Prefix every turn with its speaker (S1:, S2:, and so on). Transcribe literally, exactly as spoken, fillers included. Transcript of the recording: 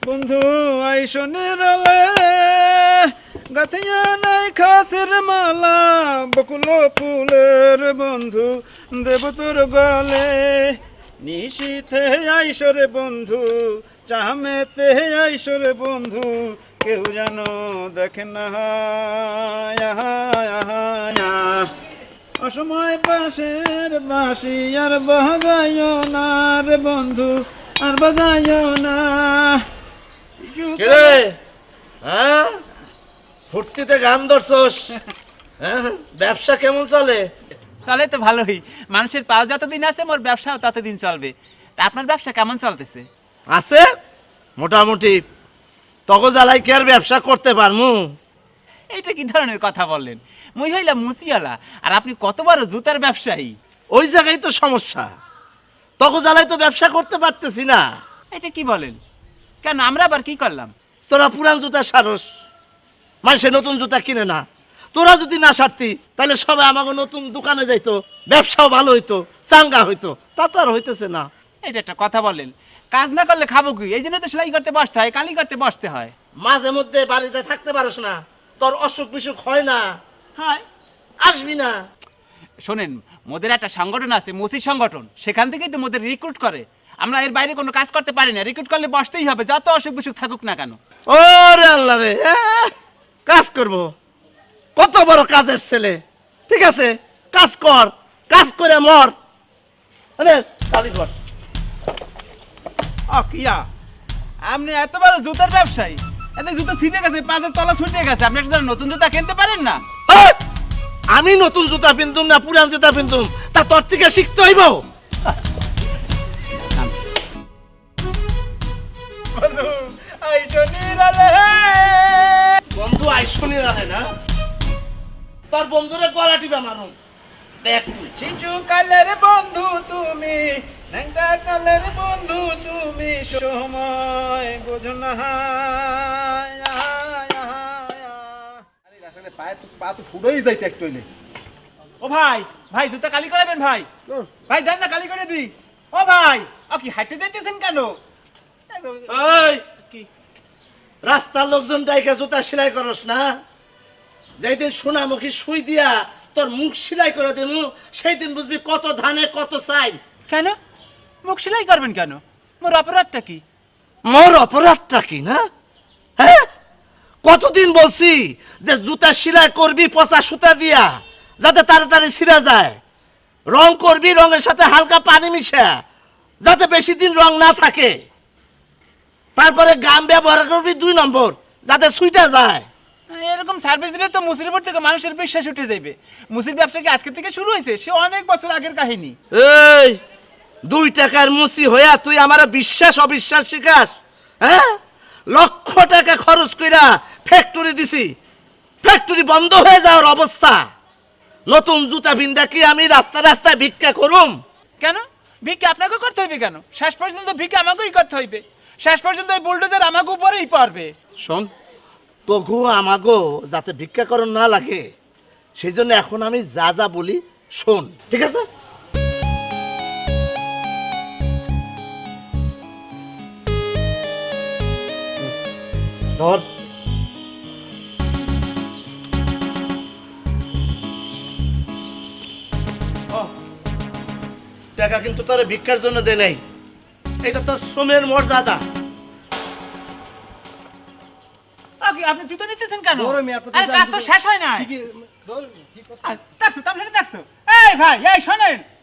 S1: বন্ধু আইসনের আলে গাথিয়া নাই খাসের মালা বকুল ফুলের বন্ধু দেব তোর গলে নিশীথে আইসরে বন্ধু চামেতে আইসরে বন্ধু কেউ যেন দেখে না অসময় বাঁশের বাঁশি আর বাজায় না রে বন্ধু আর বাজায় না।
S2: কিরে হ্যাঁ ফুর্তিতে গান ধরছস? হ্যাঁ ব্যবসা কেমন চলে?
S3: চলে তো ভালোই, মানুষের পাও যতদিন আছে মোর ব্যবসাও ততদিন চলবে। তা আপনার ব্যবসা কেমন চলতেছে?
S2: আছে মোটামুটি। তগো জ্বালাই কি আর ব্যবসা করতে পারমু?
S3: এইটা কি ধরনের কথা বললেন? মুই হইলাম মুসিওয়ালা আর আপনি কত বড় জুতার ব্যবসায়ী।
S2: ওই জায়গায় তো সমস্যা, তগো জ্বালাই তো ব্যবসা করতে পারতেছি না।
S3: এটা কি বলেন? কেন, আমরা আবার কি করলাম?
S2: তোরা পুরান জুতা সারস, মানুষে নতুন জুতা কিনে না। তোরা যদি না সারতি তাহলে সবাই আমাকে নতুন দোকানে যাইতো, ব্যবসাও ভালো হইতো, চাঙ্গা হইতো। তা তো আর হইতেছে না।
S3: এটা একটা কথা বলেন? কাজ না করলে খাবো কি? এই জন্য তো সেলাই করতে বসতে হয়, কালি করতে বসতে হয়।
S2: মাঝে মধ্যে বাড়িতে থাকতে পারস না, তোর অসুখ বিসুখ হয় না,
S3: হয়
S2: আসবি না।
S3: শোনেন, মোদের একটা সংগঠন আছে, মুসি সংগঠন, সেখান থেকেই তো মোদের রিক্রুট করে। আমরা এর বাইরে কোনো কাজ করতে পারি না, রিক্রুট করলে বসতেই হবে, যত অসুখ বিসুখ থাকুক না কেন।
S2: ওরে আল্লাহ রে, কাজ করব? কত বড় কাজের ছেলে। ঠিক আছে, কাজ কর, কাজ করে মর। আরে কালি কর।
S3: ও কিয়া, আপনি এত বড় জুতার ব্যবসায়ী, এত জুতা ছিঁড়ে গেছে, পাঁচের তলা ছুটে গেছে, আপনি একটা নতুন জুতা কিনতে পারেন না?
S2: এই, আমি নতুন জুতা পিনতুম না পুরান জুতা পিনতুম তা তোর থেকে শিখতে হইব।
S3: বন্ধু আইসনির আলে,
S2: বন্ধু আইসনির আলে না, তোর বন্ধুরে গলা টিপা মারুম। দেখ তুই
S1: শিশু কালের বন্ধু তুমি, ন্যাংটা কালের বন্ধু তুমি, সময় বোঝো না। পায়ে তো পা তো ফুটেই যাইতে একটু হইলে।
S3: ও ভাই, ভাই জুতা কালি করাবেন ভাই? ভাই দেন না, কালি করে দিই। ও ভাই, ও কি হাঁটতে যাইতেছেন কেন?
S2: এই
S3: কি
S2: রাস্তার লোকজন ডাইকা জুতা সেলাই করস না? যেদিন সোনামুখী সুই দিয়া তোর মুখ সেলাই করে দেবো, সেই দিন বুঝবি কত ধানে কত চাই।
S3: কেন মুখ সেলাই করবেন কেন? মোর অপরাধটা কি?
S2: মোর অপরাধটা কি না? হ্যাঁ, কতদিন বলছি যে জুতা সেলাই করবি পচা সুতা দিয়া, যাতে তাড়াতাড়ি ছিঁড়া যায়। রং করবি রঙের সাথে হালকা পানি মিশা, যাতে বেশি দিন রং না থাকে। তারপরে গাম ব্যবহার করবি দুই নম্বর, যাতে সুইটা যায়।
S3: এরকম সার্ভিস দিলে তো মুসির উপর থেকে মানুষের বিশ্বাস উঠে যাবে। মুসির ব্যবসা কি আজকে থেকে শুরু হয়েছে? সে অনেক বছর আগের কাহিনী।
S2: এই দুই টাকার মুসি হইয়া তুই আমার বিশ্বাস অবিশ্বাস শিখাস? হ্যাঁ, লক্ষ টাকা খরচ কইরা ফ্যাক্টরি দিছি, ফ্যাক্টরি বন্ধ হয়ে যাওয়ার অবস্থা। নতুন জুতা বিন্দা কি আমি রাস্তা রাস্তায় ভিক্ষা করুম?
S3: কেন ভিক্ষা আপনাকে করতে হইবে? কেন শেষ পর্যন্ত ভিক্ষা আমাকেই করতে হইবে। শেষ পর্যন্ত ওই বুলডোজার আমাকে উপরেই পড়বে।
S2: শোন, তবু আমাগো যাতে ভিক্ষা করণ না লাগে, সেই জন্য এখন আমি যা যা বলি শোন, ঠিক আছে? ধর, টাকা কিন্তু তোর ভিক্ষার জন্য দে নাই, এটা তোর শ্রমের মর্যাদা।
S3: আপনি জুতো নিতেছেন কেন?
S1: ধরো মিয়া, আপনি তো
S3: আরে
S1: জানেন
S3: কাজ তো
S1: যে-
S3: শেষ হয় না।
S1: ঠিকই, ধর, কি কথা?
S3: দেখছো তার সাথে দেখছো? এই ভাই, এই শোনেন,